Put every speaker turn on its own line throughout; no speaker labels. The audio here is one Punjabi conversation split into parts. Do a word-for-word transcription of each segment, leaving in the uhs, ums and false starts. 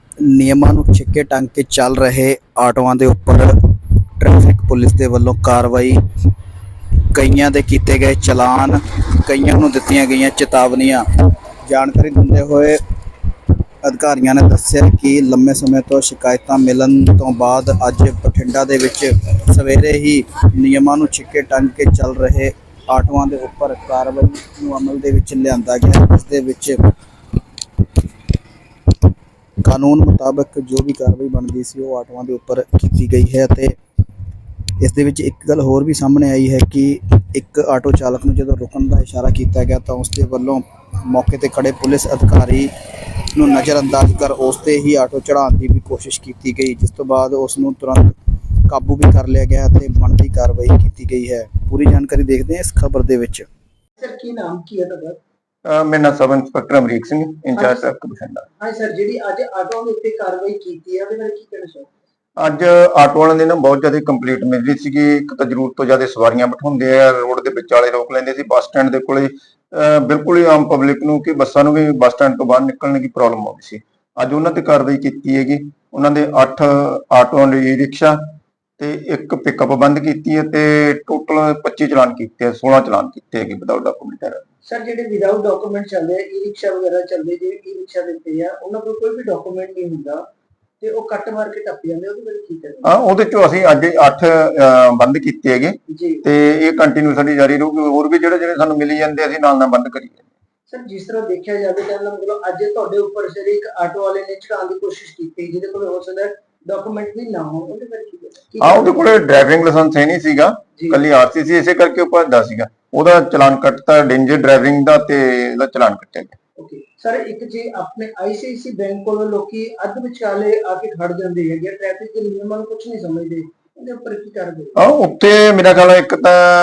ਨਿਯਮਾਂ ਨੂੰ ਛਿੱਕੇ ਟੰਗ ਕੇ ਚੱਲ ਰਹੇ ਆਟੋਆਂ ਦੇ ਉੱਪਰ ਟ੍ਰੈਫਿਕ ਪੁਲਿਸ ਦੇ ਵੱਲੋਂ ਕਾਰਵਾਈ। ਕਈਆਂ ਦੇ ਕੀਤੇ ਗਏ ਚਲਾਨ, ਕਈਆਂ ਨੂੰ ਦਿੱਤੀਆਂ ਗਈਆਂ ਚੇਤਾਵਨੀਆਂ। ਜਾਣਕਾਰੀ ਦਿੰਦੇ ਹੋਏ ਅਧਿਕਾਰੀਆਂ ਨੇ ਦੱਸਿਆ ਕਿ ਲੰਮੇ ਸਮੇਂ ਤੋਂ ਸ਼ਿਕਾਇਤਾਂ ਮਿਲਣ ਤੋਂ ਬਾਅਦ ਅੱਜ ਬਠਿੰਡਾ ਦੇ ਵਿੱਚ ਸਵੇਰੇ ਹੀ ਨਿਯਮਾਂ ਨੂੰ ਛਿੱਕੇ ਟੰਗ ਕੇ ਚੱਲ ਰਹੇ ਆਟੋਆਂ ਦੇ ਉੱਪਰ ਕਾਰਵਾਈ ਨੂੰ ਅਮਲ ਦੇ ਵਿੱਚ ਲਿਆਂਦਾ ਗਿਆ, ਜਿਸ ਦੇ ਵਿੱਚ ਕਾਨੂੰਨ ਮੁਤਾਬਕ ਜੋ ਵੀ ਕਾਰਵਾਈ ਬਣਦੀ ਸੀ ਉਹ ਆਟੋਆਂ ਦੇ ਉੱਪਰ ਕੀਤੀ ਗਈ ਹੈ। ਅਤੇ ਇਸ ਦੇ ਵਿੱਚ ਇੱਕ ਗੱਲ ਹੋਰ ਵੀ ਸਾਹਮਣੇ ਆਈ ਹੈ ਕਿ ਇੱਕ ਆਟੋ ਚਾਲਕ ਨੂੰ ਜਦੋਂ ਰੁਕਣ ਦਾ ਇਸ਼ਾਰਾ ਕੀਤਾ ਗਿਆ ਤਾਂ ਉਸ ਦੇ ਵੱਲੋਂ ਮੌਕੇ 'ਤੇ ਖੜੇ ਪੁਲਿਸ ਅਧਿਕਾਰੀ ਨੂੰ ਨਜ਼ਰਅੰਦਾਜ਼ ਕਰ ਉਸ 'ਤੇ ਹੀ ਆਟੋ ਚੜ੍ਹਾਉਣ ਦੀ ਵੀ ਕੋਸ਼ਿਸ਼ ਕੀਤੀ ਗਈ, ਜਿਸ ਤੋਂ ਬਾਅਦ ਉਸ ਨੂੰ ਤੁਰੰਤ ਕਾਬੂ ਵੀ ਕਰ ਲਿਆ ਗਿਆ ਅਤੇ ਬਣਦੀ ਕਾਰਵਾਈ ਕੀਤੀ ਗਈ ਹੈ। ਪੂਰੀ ਜਾਣਕਾਰੀ ਦੇਖਦੇ ਹਾਂ ਇਸ ਖਬਰ ਦੇ ਵਿੱਚ।
ਸਰ ਕੀ ਨਾਮ ਕੀ ਹੈ ਤੁਹਾਡਾ?
ਮੇਰਾ ਨਾਮ sub inspector Amrik Singh, incharge traffic Bathinda.
ਹਾਂ ਸਰ, ਜਿਹੜੀ ਅੱਜ ਆਟੋ ਦੇ ਉੱਤੇ ਕਾਰਵਾਈ ਕੀਤੀ ਹੈ ਉਹਦੇ ਬਾਰੇ ਕੀ ਕਹਿਣਾ ਚਾਹੋਗੇ?
ਅੱਜ ਆਟੋ ਵਾਲਿਆਂ ਦੀ ਨਾ ਬਹੁਤ ਜ਼ਿਆਦਾ ਕੰਪਲੀਟ ਮਿਲ ਰਹੀ ਸੀਗੀ। ਇੱਕ ਤਾਂ ਜ਼ਰੂਰਤ ਤੋਂ ਜ਼ਿਆਦਾ ਸਵਾਰੀਆਂ ਬਿਠਾਉਂਦੇ ਆ, ਰੋਡ ਦੇ ਵਿਚਾਲੇ ਰੋਕ ਲੈਂਦੇ ਸੀ। ਬੱਸ ਸਟੈਂਡ ਦੇ ਕੋਲੇ ਬਿਲਕੁਲ ਹੀ ਆਮ ਪਬਲਿਕ ਨੂੰ ਕਿ ਬੱਸਾਂ ਨੂੰ ਵੀ ਬੱਸ ਸਟੈਂਡ ਤੋਂ ਬਾਹਰ ਨਿਕਲਣ ਦੀ ਪ੍ਰੋਬਲਮ ਆਉਂਦੀ ਸੀ। ਅੱਜ ਉਹਨਾਂ ਤੇ ਕਾਰਵਾਈ ਕੀਤੀ ਹੈਗੀ। ਉਹਨਾਂ ਦੇ ਅੱਠ ਆਟੋ ਈ ਰਿਕਸ਼ਾ ਤੇ ਇੱਕ ਪਿਕਅਪ ਬੰਦ ਕੀਤੀ ਹੈ ਤੇ ਟੋਟਲ ਪੱਚੀ ਚਲਾਨ ਕੀਤੇ ਆ, ਸੋਲਾਂ ਚਲਾਨ ਕੀਤੇ ਹੈਗੇ ਵਿਦਆਊਟ ਡਾਕੂਮੈਂਟ।
ਸਰ ਜਿਹੜੇ ਵਿਦਆਊਟ ਡਾਕੂਮੈਂਟ ਚੱਲਦੇ ਆ, ਈ ਰਿਕਸ਼ਾ ਵਗੈਰਾ ਚੱਲਦੇ, ਜਿਹੜੇ ਈ ਰਿਕਸ਼ਾ ਦਿੱਤੇ ਆ ਉਹਨਾਂ ਕੋਲ ਕੋਈ ਵੀ ਡਾਕੂਮੈਂਟ ਨਹੀਂ ਹੁੰਦਾ ਤੇ ਉਹ ਕੱਟ ਮਾਰ ਕੇ ਟੱਪ ਜਾਂਦੇ, ਉਹਦੇ ਬਾਰੇ ਕੀ ਕਹਿਣਾ?
ਹਾਂ, ਉਹਦੇ ਚੋਂ ਅਸੀਂ ਅੱਜ ਅੱਠ ਬੰਦ ਕੀਤੇ ਹੈਗੇ ਤੇ ਇਹ ਕੰਟੀਨਿਊ ਸਾਡੀ ਜਾਰੀ ਰਹੂਗੀ। ਹੋਰ ਵੀ ਜਿਹੜੇ ਜਿਹੜੇ ਸਾਨੂੰ ਮਿਲੀ ਜਾਂਦੇ ਅਸੀਂ ਨਾਲ ਨਾਲ ਬੰਦ ਕਰੀਏ।
ਸਰ ਜਿਸ ਤਰ੍ਹਾਂ ਦੇਖਿਆ ਜਾਵੇ ਤਾਂ ਮਤਲਬ ਅੱਜ ਤੁਹਾਡੇ ਉੱਪਰ ਸਿਰ ਇੱਕ ਆਟੋ ਵਾਲੇ ਨੇ ਚੜਾਉਣ ਦੀ ਕੋਸ਼ਿਸ਼ ਕੀਤੀ ਜਿਹਦੇ ਕੋਲ ਹੋ ਸਕਦਾ ਡਾਕੂਮੈਂਟ ਵੀ ਨਾ ਹੋ, ਉਹਦੇ ਬਾਰੇ ਕੀ ਕਹਿਣਾ?
ਹਾਂ, ਉਹਦੇ ਕੋਲੇ ਡਰਾਈਵਿੰਗ ਲਾਇਸੈਂਸ ਹੈ ਨਹੀਂ ਸੀਗਾ, ਕੱਲੀ ਆਰਸੀ ਸੀ, ਇਸੇ ਕਰਕੇ ਉਹ ਭੱਜਦਾ ਸੀਗਾ। ਉਹਦਾ ਚਲਾਨ ਕੱਟਤਾ ਡੇਂਜਰ ਡਰਾਈਵਿੰਗ ਦਾ ਤੇ ਇਹਦਾ ਚਲਾਨ ਕੱਟਿਆ ਗਿਆ।
ਓਕੇ ਸਰ, ਇੱਕ ਜੇ ਆਪਣੇ ਆਈਸੀਆਈਸੀ ਬੈਂਕ ਕੋਲੋਂ ਲੋਕੀ ਅੱਧ ਵਿਚਾਲੇ ਆ ਕੇ ਖੜ ਜਾਂਦੇ ਹੈਗੇ, ਟ੍ਰੈਫਿਕ ਦੇ ਨਿਯਮਾਂ ਨੂੰ ਕੁਝ ਨਹੀਂ ਸਮਝਦੇ, ਉਹਦੇ ਉੱਪਰ ਕੀ ਕਰਦੇ?
ਹਾਂ, ਉੱਥੇ ਮੇਰਾ ਖਿਆਲ ਇੱਕ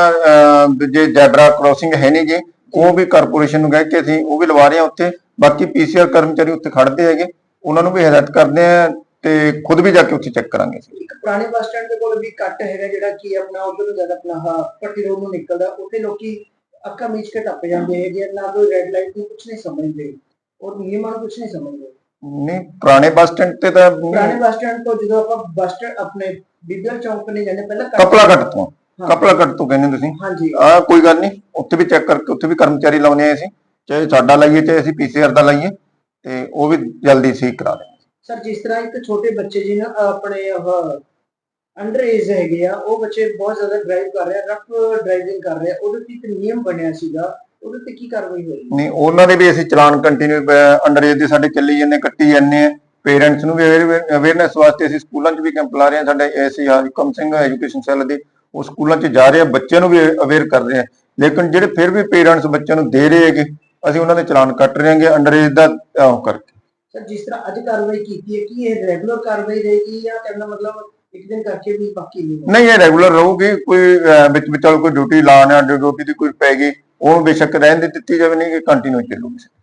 ਤਾਂ ਜੇ ਜੈਬਰਾ ਕ੍ਰੋਸਿੰਗ ਹੈ ਨਹੀਂ ਜੀ, ਉਹ ਵੀ ਕਾਰਪੋਰੇਸ਼ਨ ਨੂੰ ਕਹਿ ਕੇ ਅਸੀਂ ਉਹ ਵੀ ਲਵਾ ਰਹੇ ਹਾਂ ਉੱਥੇ। ਬਾਕੀ ਪੀਸੀਆਰ ਕਰਮਚਾਰੀ ਉੱਥੇ ਖੜਦੇ ਹੈਗੇ, ਉਹਨਾਂ ਨੂੰ ਵੀ ਹਦਾਇਤ ਕਰਦੇ ਆ ਤੇ ਖੁਦ ਵੀ ਜਾ ਕੇ ਉੱਥੇ ਚੈੱਕ ਕਰਾਂਗੇ।
ਇੱਕ ਪੁਰਾਣੇ ਬੱਸ ਸਟੈਂਡ ਦੇ ਕੋਲ ਵੀ ਕੱਟ ਹੈਗਾ ਜਿਹੜਾ ਕੀ ਆਪਣਾ ਉਧਰ ਨੂੰ ਜ਼ਿਆਦਾ ਆਪਣਾ ਪੱਟੀ ਰੋਡ ਨੂੰ ਨਿਕਲਦਾ, ਉੱਥੇ ਲੋਕੀ ਅੱਖਾਂ ਮੀਚ ਕੇ ਟੱਪ ਜਾਂਦੇ ਹੈਗੇ, ਨਾ ਕੋਈ ਰੈੱਡ ਲਾਈਟ ਨੂੰ ਕੁਝ ਨਹੀਂ ਸਮਝਦੇ ਔਰ ਨਿਯਮਾਂ ਨੂੰ ਕੁਝ ਨਹੀਂ ਸਮਝਦੇ।
ਨਹੀਂ, ਪੁਰਾਣੇ ਬੱਸ ਸਟੈਂਡ ਤੇ ਤਾਂ
ਪੁਰਾਣੇ ਬੱਸ ਸਟੈਂਡ ਤੋਂ ਜਦੋਂ ਆਪਾਂ ਬੱਸ ਸਟੈਂਡ ਆਪਣੇ ਬਿੱਦਰ ਚੌਂਕ ਨੇ ਜਾਂਦੇ ਪਹਿਲਾਂ
ਕਪਲਾ ਕੱਟ ਤੋਂ ਕਪਲਾ ਕੱਟ ਤੋਂ ਕਹਿੰਦੇ ਤੁਸੀਂ?
ਹਾਂਜੀ।
ਆ ਕੋਈ ਗੱਲ ਨਹੀਂ, ਉੱਥੇ ਵੀ ਚੈੱਕ ਕਰਕੇ ਉੱਥੇ ਵੀ ਕਰਮਚਾਰੀ ਲਾਉਣੇ ਆ ਅਸੀਂ, ਚਾਹੇ ਸਾਡਾ ਲਾਈਏ ਚਾਹੇ ਅਸੀਂ ਪੀਸੀਆਰ ਦਾ ਲਾਈਏ, ਤੇ ਉਹ ਵੀ ਜਲਦੀ ਠੀਕ ਕਰਾ ਦੇਣਗੇ। ਸਰ
ਜਿਸ ਤਰ੍ਹਾਂ ਇੱਕ ਛੋਟੇ ਬੱਚੇ ਜੀ ਨਾ ਆਪਣੇ ਉਹ ਅੰਡਰ ਏਜ ਹੈਗੇ ਆ, ਉਹ ਬੱਚੇ ਬਹੁਤ ਜ਼ਿਆਦਾ ਡਰਾਈਵ ਕਰ ਰਹੇ ਆ, ਰਫ ਡਰਾਈਵਿੰਗ ਕਰ ਰਹੇ ਆ, ਉਹਦੇ ਤੇ ਇੱਕ ਨਿਯਮ ਬਣਿਆ ਸੀਗਾ, ਉਹਦੇ ਤੇ ਕੀ ਕਾਰਵਾਈ ਹੋਈ? ਨਹੀਂ,
ਉਹਨਾਂ ਦੇ ਵੀ ਅਸੀਂ ਚਲਾਨ ਕੰਟੀਨਿਊ ਅੰਡਰ ਏਜ ਦੇ ਸਾਡੇ ਚੱਲੀ ਜਾਂਦੇ, ਕੱਟੀ ਜਾਂਦੇ ਆ। ਪੇਰੈਂਟਸ ਨੂੰ ਵੀ ਅਵੇਅਰਨੈਸ ਵਾਸਤੇ ਅਸੀਂ ਸਕੂਲਾਂ 'ਚ ਵੀ ਕੈਂਪ ਲਾ ਰਹੇ ਹਾਂ। ਸਾਡੇ ਐਸੀ ਹੁਕਮ ਸਿੰਘ ਐਜੂਕੇਸ਼ਨ ਸੈੱਲ ਦੇ ਉਹ ਸਕੂਲਾਂ 'ਚ ਜਾ ਰਹੇ ਆ, ਬੱਚਿਆਂ ਨੂੰ ਵੀ ਅਵੇਅਰ ਕਰ ਰਹੇ ਆ। ਲੇਕਿਨ ਜਿਹੜੇ ਫਿਰ ਵੀ ਪੇਰੈਂਟਸ ਬੱਚਿਆਂ ਨੂੰ ਦੇ ਰਹੇ ਹੈਗੇ, ਅਸੀਂ ਉਹਨਾਂ ਦੇ ਚਲਾਨ ਕੱਟ ਰਹੇ ਹਾਂਗੇ ਅੰਡਰ ਏਜ ਦਾ ਉਹ ਕਰਕੇ।
ਸਰ ਜਿਸ ਤਰ੍ਹਾਂ ਅੱਜ ਕਾਰਵਾਈ ਕੀਤੀ ਹੈ ਕੀ ਇਹ ਰੈਗੂਲਰ ਕਾਰਵਾਈ ਰਹੇਗੀ ਜਾਂ ਕਹਿੰਦਾ ਮਤਲਬ ਇੱਕ ਦਿਨ ਕਰਕੇ ਵੀ ਬਾਕੀ ਨਹੀਂ?
ਨਹੀਂ, ਇਹ ਰੈਗੂਲਰ ਰਹੂਗੀ। ਕੋਈ ਵਿੱਚ ਵਿਚਾਲ ਕੋਈ ਡਿਊਟੀ ਲਾਣ ਆ, ਡਿਊਟੀ ਦੀ ਕੋਈ ਪੈ ਗਈ, ਉਹ ਬੇਸ਼ੱਕ ਰਹਿਣ ਦੇ ਦਿੱਤੀ ਜਾਵੇ, ਨਹੀਂ ਕਿ ਕੰਟੀਨਿਊ ਚੱਲੂਗੀ।